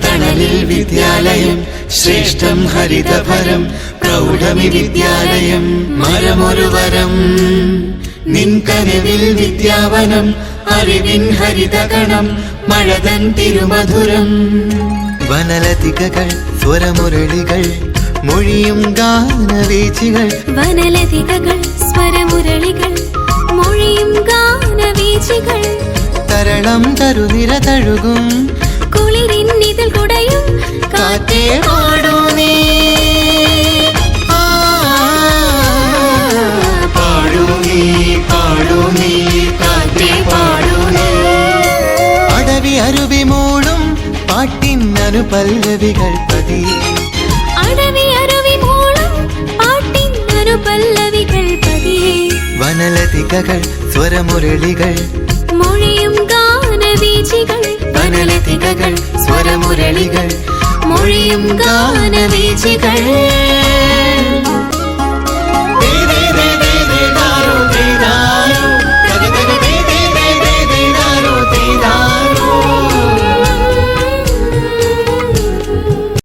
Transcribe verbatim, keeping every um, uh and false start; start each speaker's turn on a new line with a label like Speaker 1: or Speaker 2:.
Speaker 1: തണലിൽ വിദ്യാലയം ശ്രേഷ്ഠം ഹരിതഭരം പ്രൗഢമി വിദ്യാലയം മരമൊരു വരം നിൻ കനവിൽ വിദ്യാവനം അറിവിൻ ഹരിതഗണം മഴതൻ തിരുമധുരം
Speaker 2: വനലതികകൾ സ്വരമുരളികൾ മൊഴിയും ഗാനവീചികൾ
Speaker 3: വനലതികകൾ സ്വരമുരളികൾ മൊഴിയും ഗാനവീചികൾ
Speaker 2: തരളം തരുനിര തഴുകും
Speaker 3: കുളിരിൻ ഇതിൽ കുടയും
Speaker 2: കാറ്റേ പാടൂ നീ
Speaker 1: പാടൂ നീ പാടൂ നീ കാറ്റേ പാടൂ നീ
Speaker 2: അടവി അരുവി മൂളും പാട്ടിൻ അനുപല്ലവികൾ പതിയെ
Speaker 3: അടവി അരുവി മൂളും പാട്ടിൻ അനുപല്ലവികൾ പതിയെ
Speaker 2: വനലതികകൾ സ്വരമുരളികൾ
Speaker 3: മൊഴിയും ഗാനവീചികൾ
Speaker 2: വനലതികകൾ സ്വരമുരളികൾ
Speaker 3: മൊഴിയും ഗാനവീചികൾ